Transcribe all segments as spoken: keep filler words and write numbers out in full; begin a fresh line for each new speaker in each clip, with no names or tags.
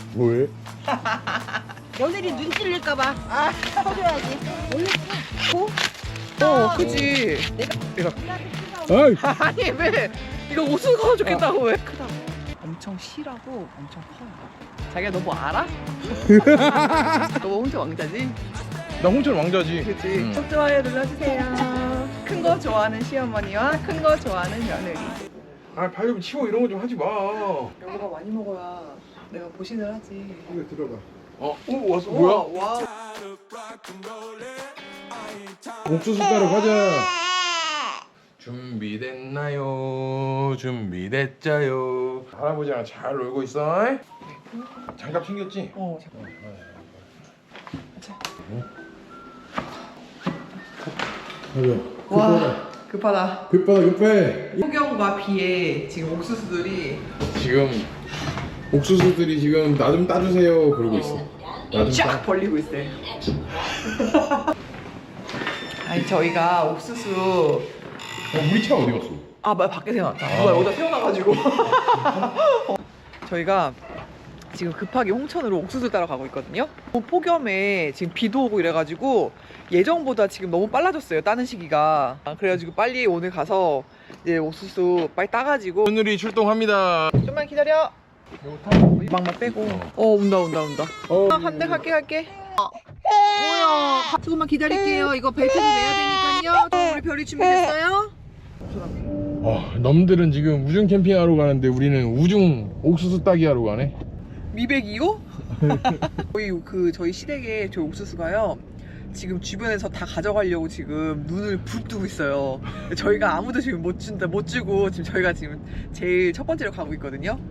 뭐해?
며느리 눈 찔릴까봐. 아, 쳐줘야지. 원래 고?
어, 그지.
아이.
아니 왜? 이거 옥수수가 좋겠다고 왜? 크다. 엄청 실하고 엄청 커요. 자기가 너 뭐 알아? 너 혼자 왕자지?
나 홍천 왕자지.
그치.
응.
첫 좋아요 눌러주세요. 큰 거 좋아하는 시어머니와 큰 거 좋아하는 며느리.
아, 발 좀 치워 이런 거 좀 하지 마.
여보가 많이 먹어야 내가 보신을 하지.
이거 들어봐. 어, 오 왔어. 뭐야?
와.
옥수수 따러 가자. 준비됐나요? 준비됐자요. 할아버지랑 잘 놀고 있어. 잉? 장갑 챙겼지?
어.
가자.
와. 급하다.
급하다 급해.
폭염과 비에 지금 옥수수들이
지금 옥수수들이 지금 나 좀 따주세요 그러고 있어. 나 좀
쫙
따.
벌리고 있어요. 아니 저희가 옥수수
어, 우리 차 어디 갔어?
아, 말 밖에 세워놨다. 누가 여기다 세워놔가지고. 저희가 지금 급하게 홍천으로 옥수수 따러 가고 있거든요. 폭염에 지금 비도 오고 이래가지고 예정보다 지금 너무 빨라졌어요. 따는 시기가. 아, 그래가지고 빨리 오늘 가서 이제 옥수수 빨리 따가지고.
오늘이 출동합니다.
좀만 기다려. 막만 빼고. 어, 온다, 온다, 온다.
어,
한 대 갈게, 갈게. 뭐야? 조금만 기다릴게요. 이거 벨트도 매야 되니까요. 우리 별이 준비됐어요?
어, 넘들은 지금 우중 캠핑하러 가는데 우리는 우중 옥수수 따기 하러 가네.
미백이요? 저희 그 저희 시댁에 저희 옥수수가요. 지금 주변에서 다 가져가려고 지금 눈을 부릅뜨고 있어요. 저희가 아무도 지금 못 준다 못 주고 지금 저희가 지금 제일 첫 번째로 가고 있거든요.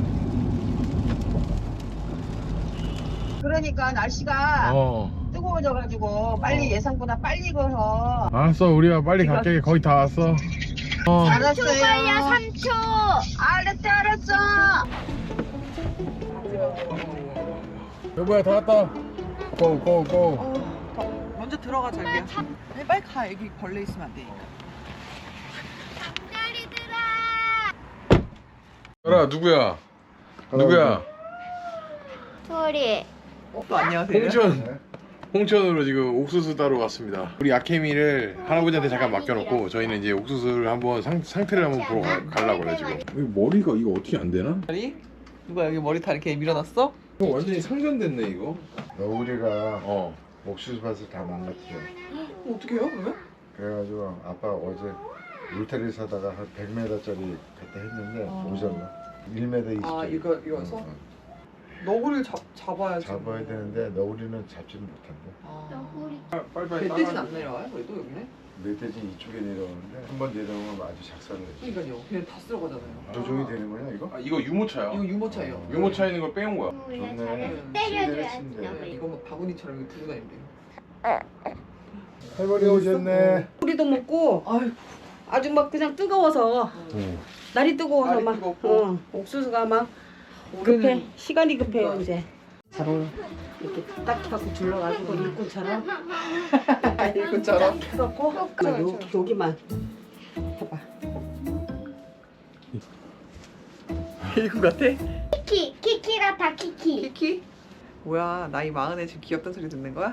그러니까 날씨가
어.
뜨거워져가지고 빨리
어.
예상보다 빨리 걸어.
알았어, 우리가 빨리 갈게. 거의 다 왔어. 어.
알았어요. 삼 초 걸려, 삼 초. 알았어, 알았어.
여보야, 다 왔다. 고, 고, 고.
어, 먼저 들어가 자기야. 아니, 빨리 가. 여기 벌레 있으면 안 되니까.
열아, 누구야? 누구야?
소리.
어, 안녕하세요.
홍천. 홍천으로 지금 옥수수 따러 왔습니다. 우리 아케미를 할아버지한테 잠깐 맡겨놓고 저희는 이제 옥수수를 한번 상, 상태를 한번 보러 가, 가려고 그래 지금. 머리가 이거 어떻게 안 되나?
머리? 누가 여기 머리 다 이렇게 밀어놨어?
이거 완전히 상전됐네 이거.
너구리가
어.
옥수수밭을 다 망가뜨려.
어, 어떻게 해요 그러면?
그래가지고 아빠 어제 울타리 사다가 한 백 미터짜리 갖다 했는데
아.
오셨나? 일 미터 이십.
아, 이거- 이거서? 너구리를 잡, 잡아야지.
잡아야 되는데 너구리는 잡지는 못한대.
아.
빨리빨리.
멧돼지는 안 내려와요? 그래도 여기는?
멧돼지 이쪽에 내려오는데 한 번 내려오면 아주 작살을 내지.
그러니까요. 그냥 다 쓸어가잖아요.
조종이 되는 거냐 이거?
아, 이거 유모차야.
이거 유모차예요.
유모차에 있는 걸 빼온 거야.
좋네.
때려줘야지.
침대.
이거 뭐 바구니처럼 이거 들고 다니는데요.
할머니 오셨네.
우리도 먹고
아유,
아주 막 그냥 뜨거워서
응.
날이 뜨거워서
날이
막
뜨겁고.
어, 옥수수가 막 급해. 시간이 급해요 이제. 바로 이렇게 딱 해갖고 둘러가지고 일꾼처럼
일꾼처럼.
해갖고 막 요, 여기만 해봐.
일꾼 같아?
키키, 키키라타 키키.
키키? 뭐야, 나이 마흔에 지금 귀엽단 소리 듣는 거야?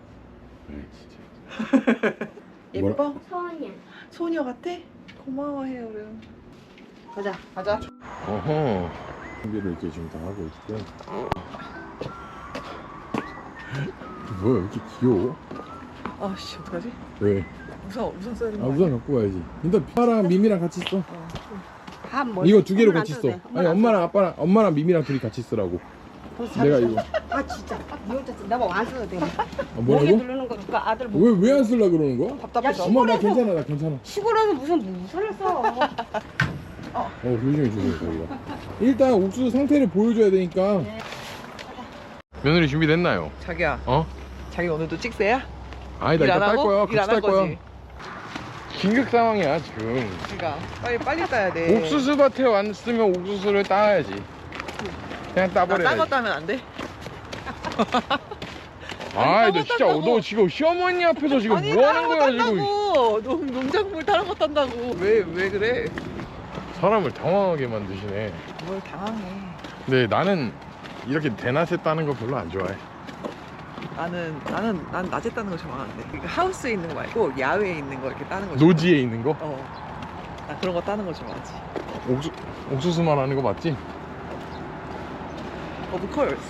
예뻐?
소녀.
소녀 같아? 고마워해, 어른.
가자.
가자.
어허. 준비를 이렇게 지금 다 하고 있고요. 뭐야, 왜 이렇게 귀여워?
아씨, 어떡하지?
왜?
우선, 우선 써야 되는
아,
거
우산 갖고 와야지. 일단 파랑 미미랑 같이 써.
밥 뭐?
이거 두 개로
엄마는
같이
안
써.
써도 돼.
아니, 엄마랑 아빠랑 엄마랑 미미랑 둘이 같이 쓰라고.
벌써
내가
잘했어.
이거.
아 진짜. 이 혼자 나뭐 안 써도 돼.
아,
목에
뭐라고?
누르는 거 누가 아들 목.
왜 왜 안 쓰려 그러는 거야?
답답해서.
엄마 나 괜찮아, 나 괜찮아.
시골에서 무슨 무선을 써.
어, 조심해 조심해 저희가. 일단 옥수수 상태를 보여줘야 되니까. 며느리 준비됐나요?
자기야,
어?
자기 오늘도 찍새야?
아니다,
일
이따
안
딸
하고?
거야.
일
같이
안 할
딸 거야.
거지?
긴급 상황이야 지금.
그러니까 빨리 빨리 따야 돼.
옥수수 밭에 왔으면 옥수수를 따야지. 그냥
나
따버려야지.
딴거 따면 안 돼?
아이, 너
딴거
진짜
딴다고.
너 지금 시어머니 앞에서 지금
아니,
뭐 하는 거야
다른 거
지금?
딴다고. 농 농작물 다른 거 딴다고. 왜 왜 그래?
사람을 당황하게 만드시네.
뭘 당황해.
근데 나는 이렇게 대낮에 따는 거 별로 안 좋아해.
나는 나는 난 낮에 따는 거 좋아하는데 그러니까 하우스에 있는 거 말고 야외에 있는 거 이렇게 따는 거 좋아해.
노지에 있는 거?
어. 나 그런 거 따는 거 좋아하지.
옥수, 옥수수만 하는 거 맞지?
Of course.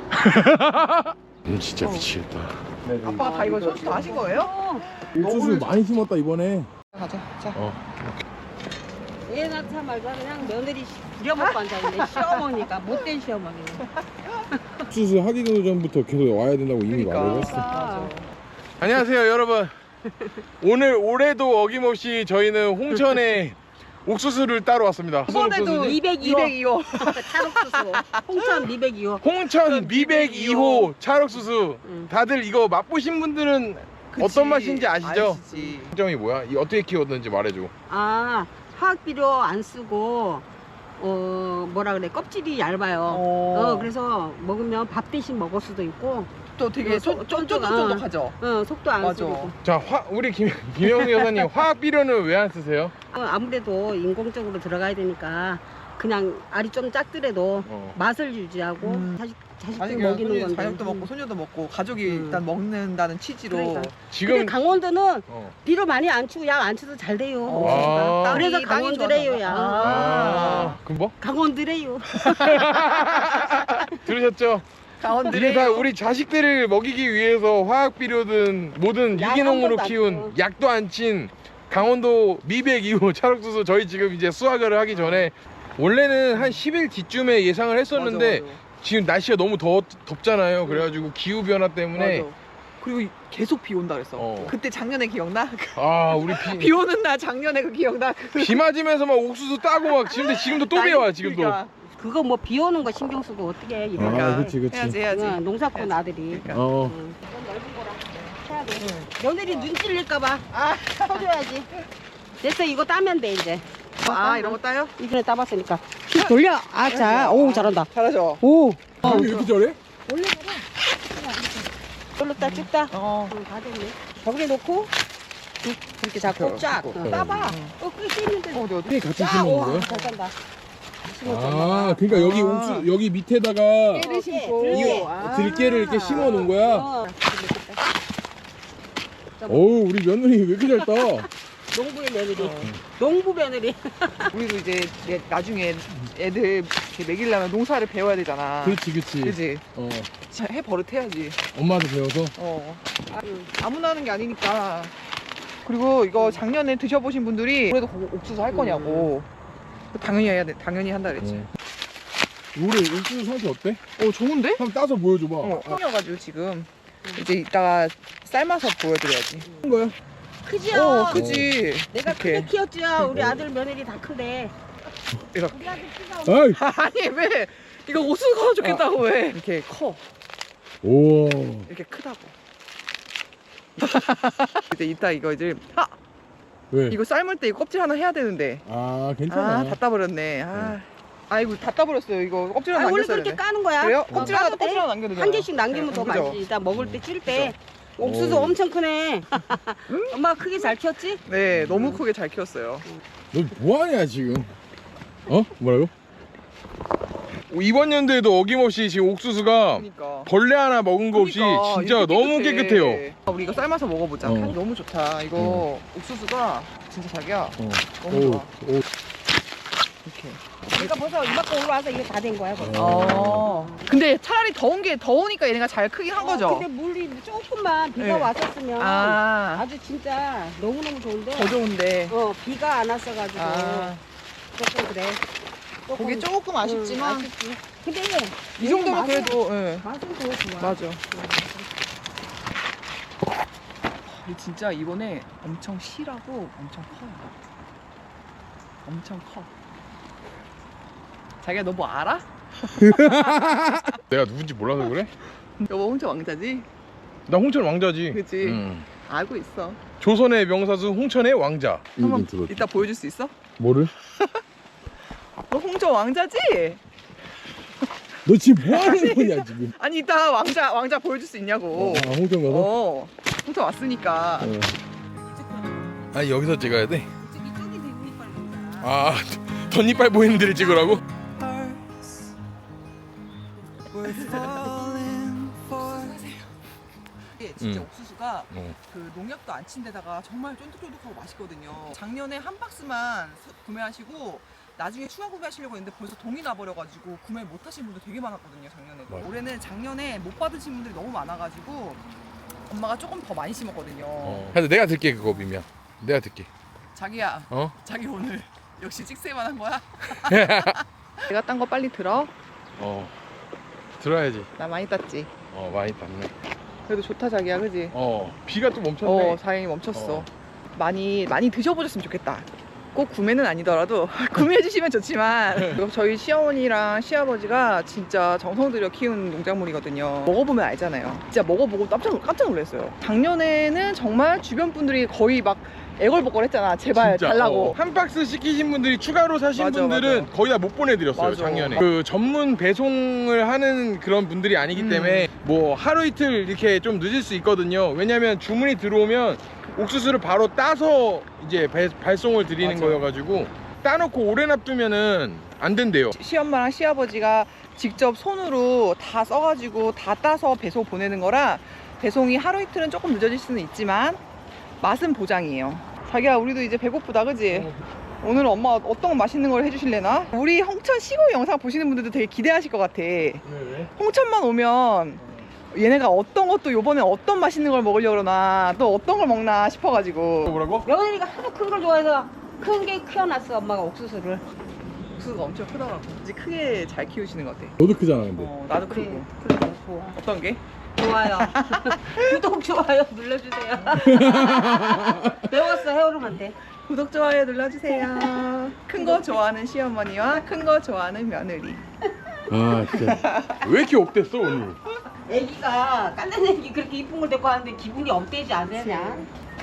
음, 진짜
어.
미치겠다.
아빠가 다 이거 손수 다 하신 거예요?
옥수수 많이 심었다 이번에.
가자. 자.
어.
얘 낳자 말자 그냥 며느리 부려먹고 앉아있네. 시어머니가 못된 시어머니네.
옥수수 하기 전부터 계속 와야 된다고 이미
그러니까.
말을 했어.
맞아.
안녕하세요 여러분. 오늘 올해도 어김없이 저희는 홍천에 옥수수를 따러 왔습니다. 무슨
이번에도
옥수수지?
이백이 호.
이백이 호.
찰옥수수. 홍천 이백이 호.
홍천 미백이 호 찰옥수수.
응.
다들 이거 맛보신 분들은
그치.
어떤 맛인지 아시죠?
아시지.
점이 뭐야? 이 어떻게 키웠는지 말해줘.
아, 화학 비료 안 쓰고 어 뭐라 그래 껍질이 얇아요.
어.
어, 그래서 먹으면 밥 대신 먹을 수도 있고,
또 되게
어,
쫀-
쫀-
쫀쫀쫀쫀하죠.
어 속도 안
맞아.
쓰고.
자, 화, 우리 김, 김영수 여사님 화학 비료는 왜 안 쓰세요?
어, 아무래도 인공적으로 들어가야 되니까 그냥 알이 좀 작더라도
어.
맛을 유지하고
음.
자식 자식들
아니
먹이는
먹이는
건데.
자녀도 먹고
음.
소녀도 먹고 가족이
음.
일단 먹는다는 취지로
그러니까.
지금
근데 강원도는
어.
비료 많이 안 치고 약 안 쳐도 잘 돼요.
어.
아.
땅이-
그래서
땅이
강원도래요,
좋아서.
야.
아, 그럼 뭐?
강원도래요.
들으셨죠?
강원들의
이게 다 우리 자식들을 먹이기 위해서 화학 비료든 뭐든
약
유기농으로
한 번도 안
키운
치고.
약도 안 친 강원도 미백 이 호 찰옥수수 저희 지금 이제 수확을 하기 전에 원래는 한 십 일 뒤쯤에 예상을 했었는데
맞아, 맞아.
지금 날씨가 너무 더, 덥잖아요. 그래가지고 기후 변화 때문에
맞아. 그리고 계속 비 온다 그랬어.
어.
그때 작년에 기억나?
아 우리
비
비,
오는 날 작년에 그 기억나? 그
비 맞으면서 막 옥수수 따고 막 지금도 지금도 또
난리-
비와 지금도.
그러니까,
그거 뭐 비 오는 거 신경 쓰고 어떻게 해, 이거.
그러니까
아, 그치, 그치.
해야지 해야지.
응, 농사꾼 아들이.
그러니까.
어.
응. 이건 넓은 거라 해야 돼. 며느리 눈 찔릴까봐 아, 쳐줘야지. 됐어, 이거 따면 돼 이제.
아 이런 거 따요?
이번에 따봤으니까 휙 돌려. 아, 자, 오 잘한다.
잘하죠.
오. 어,
왜 이렇게 잘해?
원래 그래. 이걸로 따, 쭉 따.
어.
응, 다 됐네. 저기에 놓고 쭉 이렇게 잡고 쫙
어,
응, 따봐. 어, 끝이 있는데.
어디 어디?
같이
아, 오, 잘 딴다.
아, 그러니까 여기
아.
옥수 여기 밑에다가
깨를 심고.
들깨.
아.
들깨를 이렇게 심어 놓은 거야.
어.
어우, 우리 며느리 왜 이렇게 잘 따?
농부의 며느리.
어.
농부 며느리.
우리도 이제 내- 나중에 애들 이렇게 먹이려면 농사를 배워야 되잖아.
그렇지, 그렇지.
그지?
어,
진짜 해 버릇해야지.
엄마한테 배워서.
어. 아무나 하는 게 아니니까. 그리고 이거 작년에 드셔보신 분들이 올해도 고- 옥수수 할 거냐고. 당연히 해야 돼. 당연히 한다 그랬지.
어. 올해 옥수수 상태 어때?
어, 좋은데?
한번 따서 보여줘봐.
어, 콩이어가지고 지금 이제 이따가 삶아서 보여드려야지.
큰 거야?
크지요?
어, 그지.
내가
이렇게.
크게 키웠지요. 우리 아들 며느리 다 큰데.
이렇게.
우리 아들 키가
아이,
아니 왜? 이거 옥수수 커 좋겠다고 왜? 이렇게 커.
오.
이렇게 크다고. 이제 이따 이거 이제 아
왜?
이거 삶을 때 이거 껍질 하나 해야 되는데.
아, 괜찮아.
아, 다 따버렸네. 아, 아이고 다 따버렸어요. 이거 껍질
아,
하나
원래
남겼어야
그렇게
되네.
까는 거야.
그래요?
어,
껍질 하나
까도 돼.
껍질 하나 남겨도 되잖아.
한 개씩 남기면 더
그죠?
맛있지. 이따 먹을 때 찔 때.
오.
옥수수 엄청 크네. 엄마가 크게 잘 키웠지?
네, 너무 크게 잘 키웠어요.
너 뭐하냐 지금? 어? 뭐라고? 이번 연도에도 어김없이 지금 옥수수가
그러니까.
벌레 하나 먹은 거 없이
그러니까,
진짜
이렇게
너무
깨끗해.
깨끗해요.
아, 우리 이거 삶아서 먹어보자.
어.
향 너무 좋다. 이거 옥수수가 진짜 자기야.
어.
너무 좋아.
오, 오.
이렇게.
그러니까 벌써 이만큼 올라와서 이게 다 된 거야. 벌써.
어. 근데 차라리 더운 게 더우니까 얘네가 잘 크긴 한 거죠.
어, 근데 물이 조금만 비가
네.
왔었으면
아,
아주 진짜 너무너무 좋은데.
더 좋은데.
어, 비가 안 왔어가지고
아,
조금 그래. 조금,
그게 조금 아쉽지만
응, 아쉽지. 근데
이 정도면
맛은-
그래도 예.
맛은 더 좋아.
맞아. 이 진짜 이번에 엄청 실하고 엄청 커요. 엄청 커. 자기야 너 뭐 알아?
내가 누군지 몰라서 그래?
여보 혼자 왕자지?
나 홍천 왕자지.
그치?
응.
알고 있어.
조선의 명사수 홍천의 왕자.
한번 이따 보여줄 수 있어?
뭐를?
너 홍천 왕자지?
너 지금 뭐 하는 거냐 지금?
아니 이따 왕자 왕자 보여줄 수 있냐고.
아, 홍천 가서?
어. 홍천 왔으니까.
어. 아니 여기서 찍어야 돼?
이쪽이 되고 이빨 보이잖아.
아, 덧니빨 보이는 데를 찍으라고?
이게 진짜
음.
옥수수가
어.
그 농약도 안 친 데다가 정말 쫀득쫀득하고 맛있거든요. 작년에 한 박스만 사- 구매하시고 나중에 추가 구매하시려고 했는데 벌써 동이 나버려가지고 구매 못 하신 분들 되게 많았거든요, 작년에도.
맞아.
올해는 작년에 못 받으신 분들이 너무 많아가지고 엄마가 조금 더 많이 심었거든요.
어. 근데 내가 듣게 그거 미미야. 내가 듣게.
자기야,
어?
자기 오늘 역시 찍새만 한 거야? 내가 딴 거 빨리 들어.
어. 들어야지.
나 많이 땄지.
어 많이 땄네.
그래도 좋다 자기야, 그지?
어 비가 또 멈췄네.
어, 다행히 멈췄어.
어.
많이 많이 드셔보셨으면 좋겠다. 꼭 구매는 아니더라도 구매해 주시면 좋지만 저희 시어머니랑 시아버지가 진짜 정성 들여 키운 농작물이거든요. 먹어보면 알잖아요. 진짜 먹어보고 깜짝, 깜짝 놀랐어요. 작년에는 정말 주변 분들이 거의 막 애걸복걸했잖아. 제발
진짜,
달라고.
어. 한 박스 시키신 분들이 추가로 사신
맞아,
분들은
맞아.
거의 다 못 보내드렸어요.
맞아.
작년에 그 전문 배송을 하는 그런 분들이 아니기
음.
때문에 뭐 하루 이틀 이렇게 좀 늦을 수 있거든요. 왜냐면 주문이 들어오면 옥수수를 바로 따서 이제 배, 발송을 드리는
맞아.
거여가지고 따놓고 오래 놔두면은 안 된대요.
시엄마랑 시아버지가 직접 손으로 다 써가지고 다 따서 배송 보내는 거라 배송이 하루 이틀은 조금 늦어질 수는 있지만 맛은 보장이에요. 자기야, 우리도 이제 배고프다, 그지? 오늘 엄마 어떤 맛있는 걸 해주실래나? 우리 홍천 시골 영상 보시는 분들도 되게 기대하실 것 같아.
왜, 왜?
홍천만 오면 얘네가 어떤 것도 요번에 어떤 맛있는 걸 먹으려고 그러나 또 어떤 걸 먹나 싶어가지고.
뭐라고?
며느리가 하도 큰 걸 좋아해서 큰 게 키워놨어 엄마가 옥수수를.
옥수수가 엄청 크더라고. 이제 크게 잘 키우시는 것 같아.
너도 크잖아 근데.
어, 나도
그래
크고.
그래 좋아.
어떤 게?
좋아요. 구독 좋아요 눌러주세요. 배웠어 해오름한테.
구독, 좋아요 눌러주세요. 큰 거 좋아하는 시어머니와 큰 거 좋아하는 며느리.
아 진짜 왜 이렇게 업됐어 오늘?
애기가 깐난 애기 그렇게 이쁜 걸 데리고 왔는데 기분이 업되지 않으냐?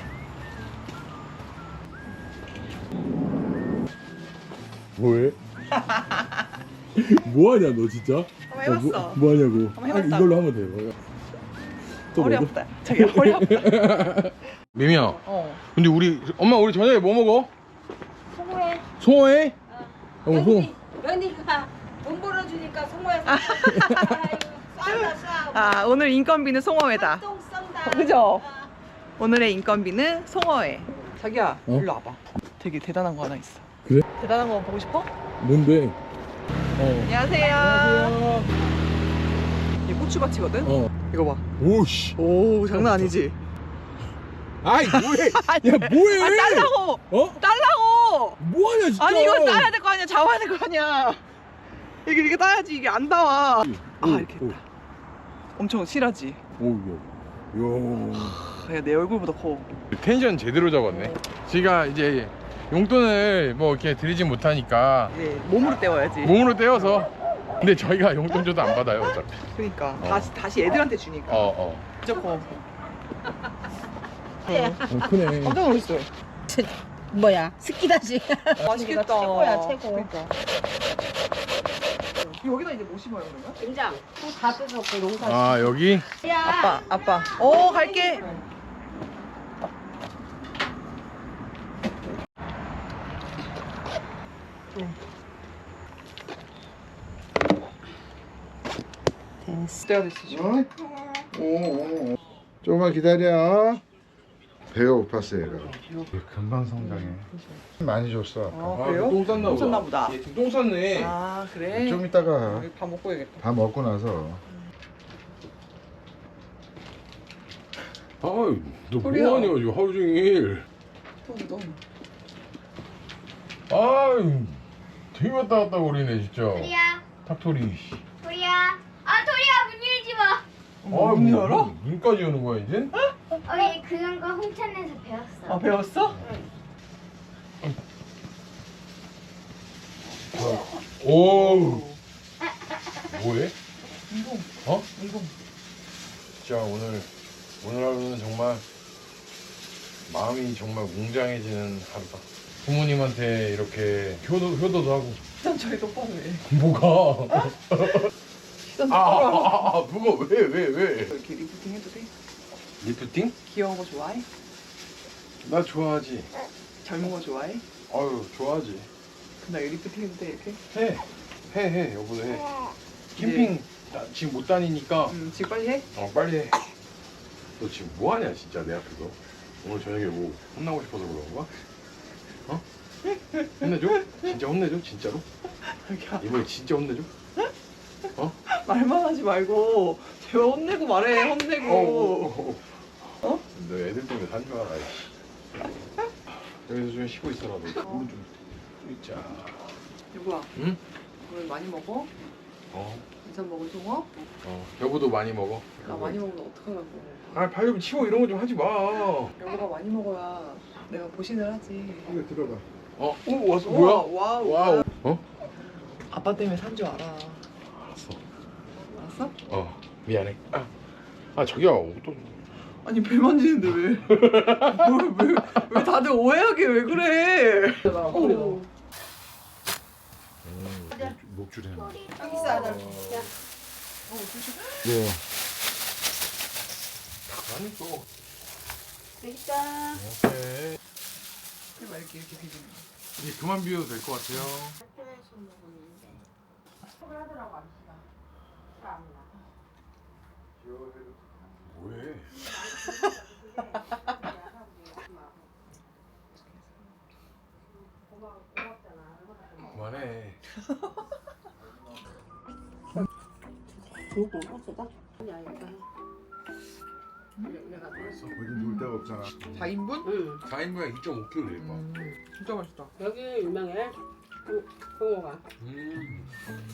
뭐해? 뭐하냐 너 진짜?
한번 해봤어.
뭐, 뭐하냐고?
한번 해봤다고.
이걸로 하면 돼. 또
허리
먹어?
아프다. 자기 허리 아프다.
미미야.
어.
근데 우리 엄마 우리 저녁에 뭐 먹어?
송호해.
송어회? 어, 송어.
며느리, 며느리가 돈 벌어주니까 송호해. 쏜다 쏴.
아, 오늘 인건비는 송어회다.
똥 쏜다.
어, 그죠? 오늘의 인건비는 송어회. 자기야,
어?
일로 와봐. 되게 대단한 거 하나 있어.
그래?
대단한 거 보고 싶어?
뭔데? 어.
안녕하세요. 이 고추밭이거든?
어.
이거 봐.
오씨.
오, 장난 아니지?
아이 뭐해? 야 뭐해?
아, 딸라고!
어?
딸라고!
뭐하냐 진짜?
아니, 이거 따야 될 거 아니야? 잡아야 될 거 아니야? 이게 이렇게 따야지 이게 안 나와. 아, 이렇게 했다. 엄청 실하지?
오, 야. 야.
야, 내 얼굴보다 커.
텐션 제대로 잡았네. 제가 이제 용돈을 뭐 이렇게 드리진 못하니까
이제 몸으로 때워야지.
몸으로 떼어서. 근데 저희가 용돈 줘도 안 받아요 어차피.
그러니까
어.
다시 다시 애들한테 주니까.
어 어.
진짜 커.
어 크네.
깜짝 놀랐어요.
뭐야 스키다지.
맛있겠다.
최고야 최고.
그러니까. 여기다 이제 뭐 심어요 그러면?
김장 다 뜯었고 농사.
아 여기?
아빠, 아빠. 어, 갈게.
됐어.
때가 됐어 지금.
어? 오, 오, 오. 조금만 기다려. 배가 고팠어 얘가. 금방 성장해. 많이 줬어. 아까.
아, 그래요?
똥 쌌나
똥 쌌나 보다.
얘 지금 똥 쌌네.
아, 그래?
좀 이따가
여기 밥 먹고 해야겠다.
다 먹고 나서.
아유 너
소리야.
뭐하냐 지금 하루 종일.
똥, 똥.
아유 되게 왔다 갔다 거리네 진짜.
도리야,
탁토리.
도리야. 아, 도리야, 문 열지 마.
아,
문 열어?
뭐, 눈까지 여는 거야 이제?
어, 얘 그런 거 홍천에서 배웠어.
아, 배웠어?
오. 뭐해?
인공,
어?
인공.
진짜 오늘 오늘 하루는 정말 마음이 정말 웅장해지는 하루다. 부모님한테 이렇게 효도 효도도 하고.
시선 저희 똑바로 해.
뭐가?
시선
아, 아,
똑바로 하고.
아, 아 뭐가 왜 왜 왜?
이렇게 리프팅 해도 돼?
리프팅?
귀여운 거 좋아해?
나 좋아하지.
젊은 거 좋아해?
아유 좋아하지.
나 리프팅 해도 돼 이렇게?
해. 해, 해, 여보도 해. 캠핑 나 지금 못 다니니까
음, 지금 빨리 해.
어 빨리 해. 너 지금 뭐 하냐 진짜 내 앞에서. 오늘 저녁에 뭐 혼나고 싶어서 그런 거야? 어? 혼내줘? 진짜 혼내줘? 진짜로? 이번에 진짜 혼내줘? 어?
말만 하지 말고 제발 혼내고 말해. 혼내고.
어?
어?
너 애들 때문에 산줄 알아. 이씨. 여기서 좀 쉬고 있어라. 너 오른쪽 있자.
여보야,
응?
오늘 많이 먹어?
어.
인삼 먹을 송어?
어. 여보도 많이 먹어.
나 많이 먹으면 어떡하려고.
아 발 좀 치워 이런 거 좀 하지 마.
여보가 많이 먹어야 내가 보신을 하지.
이거 들어봐.
어? 오 왔어.
우와,
뭐야?
와우.
와우. 어?
아빠 때문에 산 줄 알아.
알았어.
알았어?
어. 미안해. 아, 아 저기야 또.
아니 배 만지는데 왜? 뭘, 왜, 왜 다들 오해하게 왜 그래? 어.
음, 목줄이 하나.
여기 있어 아들.
네.
많이 또.
여기 있다.
오케이.
해봐 이렇게 이렇게 비비는 거.
이제 그만 비워도 될 것 같아요. 뭐해? 그만해.
조금 없어다. 야 이거. 내가
맛있어.
어디 놀 데가 없잖아.
사 인분?
응.
사 인분에 이 점 오 킬로그램 돼.
음, 진짜 맛있다.
여기 유명해. 홍어가.
음.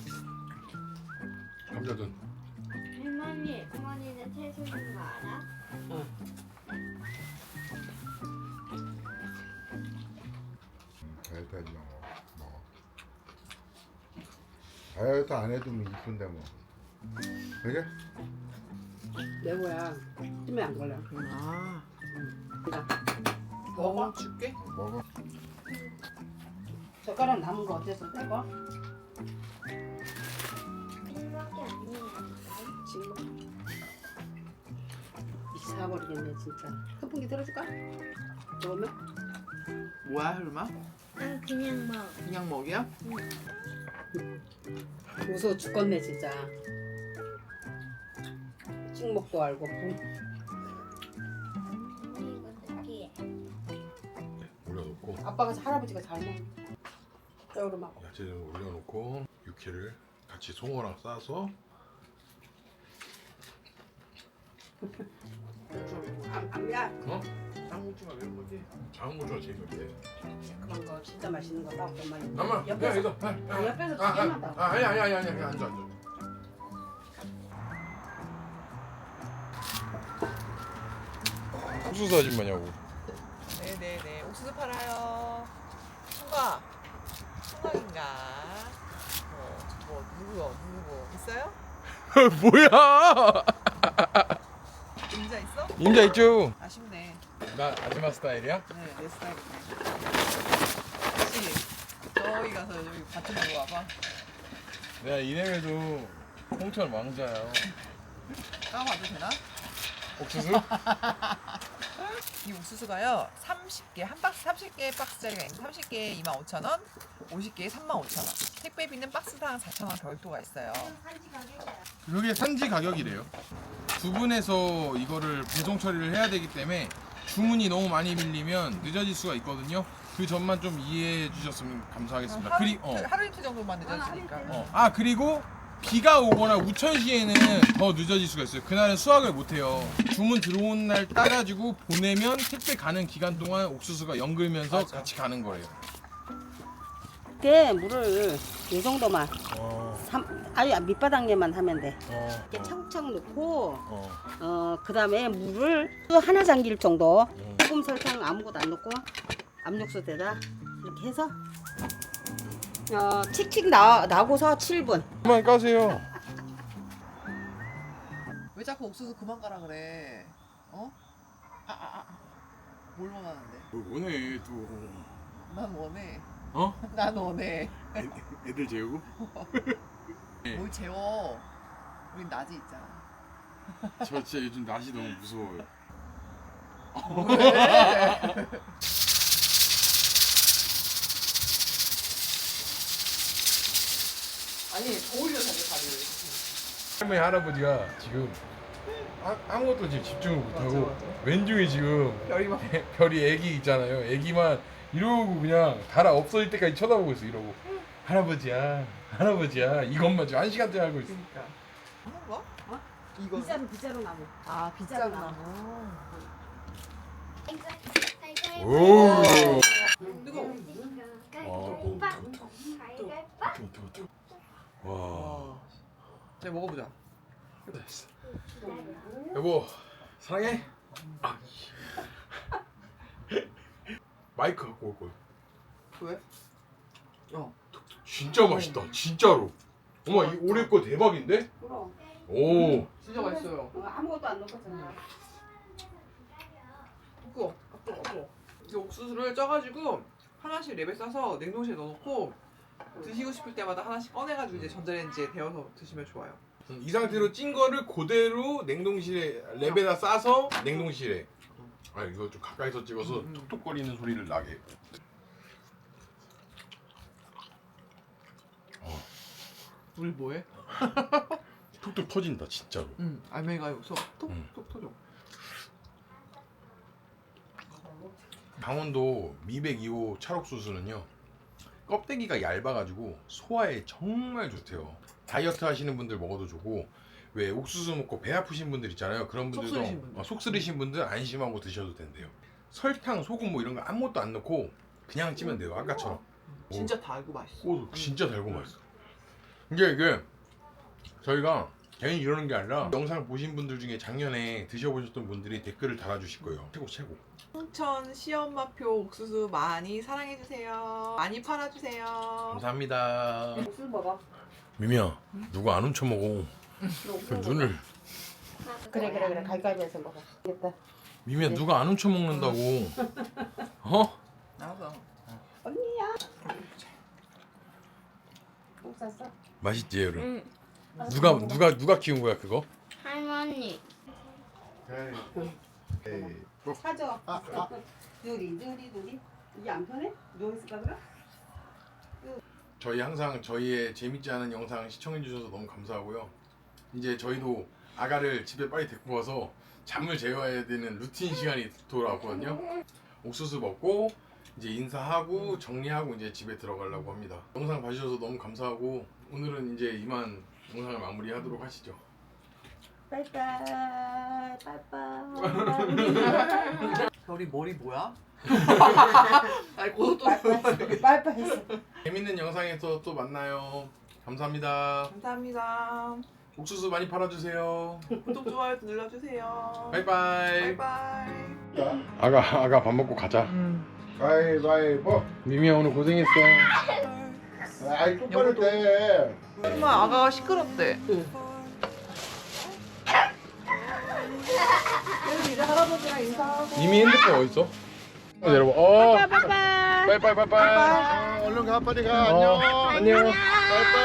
감자전.
할머니, 어머니는 채소 있는 거 알아?
어.
다이어트 하지 마. 먹어. 다이어트 안 해도 뭐 이쁜데 뭐. 그래?
내 거야. 찜에 안 걸려.
아,
먹어.
먹어 줄게.
먹어.
젓가락 남은 거 어째서 떼고?
이밖에 아니에요.
지금 미쳐버리겠네 진짜. 선풍기 들어줄까? 그러면?
뭐야 혈마?
난 그냥 먹.
그냥 먹이야?
무서워 죽겠네 진짜. 찍먹도 알고.
이거 느끼해.
올려놓고
아빠가 할아버지가 잘 먹어. 여름하고.
야채를 올려놓고 육회를 같이 송어랑 싸서
안야
어? 쌍무추가 왜 뭐지? 장무추가 제일 좋대.
그런 거 진짜 맛있는 거 사고 많이.
잠깐만. 야
옆에서
이거. 아, 아,
옆에서
아,
튀겨만
아,
다.
아, 아니 아니 아니 아니 아니 앉아 앉아. 옥수수 아줌마냐고.
네네네. 옥수수 팔아요. 총각. 총각인가? 어, 뭐 누구요? 누구 있어요?
뭐야?
임자 있어?
임자 있죠.
아쉽네.
나 아줌마 스타일이야?
네, 내 스타일이네. 혹시 저기 가서 여기 밭 좀 보고 와봐.
내가 이래봬도 홍천 왕자야.
까봐도 되나?
옥수수?
이 옥수수가요 삼십 개, 한 박스 삼십 개 박스짜리가 있는데 삼십 개에 이만 오천 원, 오십 개에 삼만 오천 원. 택배비는 박스당 사천 원 별도가 있어요.
그게 산지 가격이래요. 두 분에서 이거를 배송 처리를 해야 되기 때문에 주문이 너무 많이 밀리면 늦어질 수가 있거든요. 그 점만 좀 이해해 주셨으면 감사하겠습니다.
하루,
그리, 어.
하루 이틀 정도만 늦어지니까.
어. 아 그리고 비가 오거나 우천시에는 더 늦어질 수가 있어요. 그날은 수확을 못해요. 주문 들어온 날 따가지고 보내면 택배 가는 기간 동안 옥수수가 연글면서
맞아.
같이 가는 거예요.
이때 물을 이 정도만.
어,
삼, 아니 밑바닥에만 하면 돼.
어,
이렇게 차곡차곡 넣고
어.
어 그다음에 물을 또 하나 잠길 정도.
음.
소금 설탕 아무것도 안 넣고 압력솥에다 이렇게 해서 어 칙칙 나 나고서 칠 분.
그만 까세요.
왜 자꾸 옥수수 그만 가라 그래? 어? 아, 아, 아. 뭘 원하는데?
뭐 원해 또.
난 원해.
어?
난 원해.
애, 애들 재우고? 네.
뭘 재워? 우린 낮이 있잖아.
저 진짜 요즘 낮이 너무 무서워요.
왜? 아니 더 올려 자기 다리를.
할머니 할아버지가 지금 아, 아무것도 지금 집중을 못하고
맞아, 맞아.
왼쪽에 지금
별이만
별이 애기 있잖아요. 애기만 이러고 그냥 달아 없어질 때까지 쳐다보고 있어. 이러고 할아버지야 할아버지야 이것만 지금 한 시간째 하고 있어.
그러니까. 뭐?
어?
이거.
비자루 비자루 나무.
아
빗자루
빗자루 나무.
오.
뜨거워.
와.
와. 자 먹어보자.
여보 사랑해. 아. 마이크 갖고 올 거야.
왜? 어.
진짜 맛있다. 진짜로. 어머 이 올해 거 대박인데?
그럼
오.
진짜 맛있어요.
어, 아무것도 안 넣었잖아.
뜨거워. 아, 뜨거워. 뜨거워. 이 옥수수를 쪄가지고 하나씩 랩에 싸서 냉동실에 넣어놓고 드시고 싶을 때마다 하나씩 꺼내가지고 이제 전자레인지에 데워서 드시면 좋아요.
이 상태로 찐 거를 그대로 냉동실에 랩에다 싸서 냉동실에. 아 이거 좀 가까이서 찍어서
음, 음.
톡톡거리는 소리를 나게.
우리 뭐해?
톡톡 터진다 진짜로.
응. 알맹이가 여기서
음.
톡톡 터져.
강원도 미백 이 호 찰옥수수는요 껍데기가 얇아가지고 소화에 정말 좋대요. 다이어트 하시는 분들 먹어도 좋고 왜 옥수수 먹고 배 아프신 분들 있잖아요. 그런
속
분들도
쓰리신 분들.
어, 속 쓰리신 분들 안심하고 드셔도 된대요. 설탕, 소금 뭐 이런 거 아무것도 안 넣고 그냥 찌면 돼요. 아까처럼.
진짜 달고 맛있어.
오, 진짜 달고 맛있어. 이게 이게 저희가 괜히 이러는 게 아니라 영상 보신 분들 중에 작년에 드셔보셨던 분들이 댓글을 달아주실 거예요. 최고 최고.
홍천 시엄마표 옥수수 많이 사랑해주세요. 많이 팔아주세요.
감사합니다.
옥수수 먹어.
미미야, 누가 안 훔쳐 먹어? 그 눈을.
그래 그래 그래 갈갈면서 먹어. 됐다.
미미야, 누가 안 훔쳐 먹는다고? 어?
알았어.
언니야. 옥 샀어?
맛있지, 여름.
응.
누가 누가 누가 키운 거야 그거?
할머니.
에이, 뭐,
사줘. 누리 누리 누리. 이게 안 편해? 누워있을까 그래?
저희 항상 저희의 재밌지 않은 영상 시청해 주셔서 너무 감사하고요. 이제 저희도 아가를 집에 빨리 데리고 와서 잠을 재워야 되는 루틴 시간이 돌아왔거든요. 옥수수 먹고 이제 인사하고 정리하고 이제 집에 들어가려고 합니다. 영상 봐주셔서 너무 감사하고 오늘은 이제 이만 영상을 마무리하도록 하시죠.
빠이빠이 빠이빠이.
별이 머리 뭐야? 아니 고속도
빠이빠이 했어.
재밌는 영상에서 또 만나요. 감사합니다.
감사합니다.
옥수수 많이 팔아주세요.
구독 좋아요 눌러주세요.
바이바이.
바이바이.
아가 아가 밥 먹고 가자.
가위바위보.
미미야 오늘 고생했어.
아이 똑바로 돼.
정말 아가가 시끄럽대.
이제 할아버지랑 인사하고.
미미 핸드폰 어디 있어? 여러분, 어,
빠이빠이.
빠이빠이 빠이빠이.
아, 얼른 가 빨리 가. 안녕.
어, 안녕.
빠이빠이.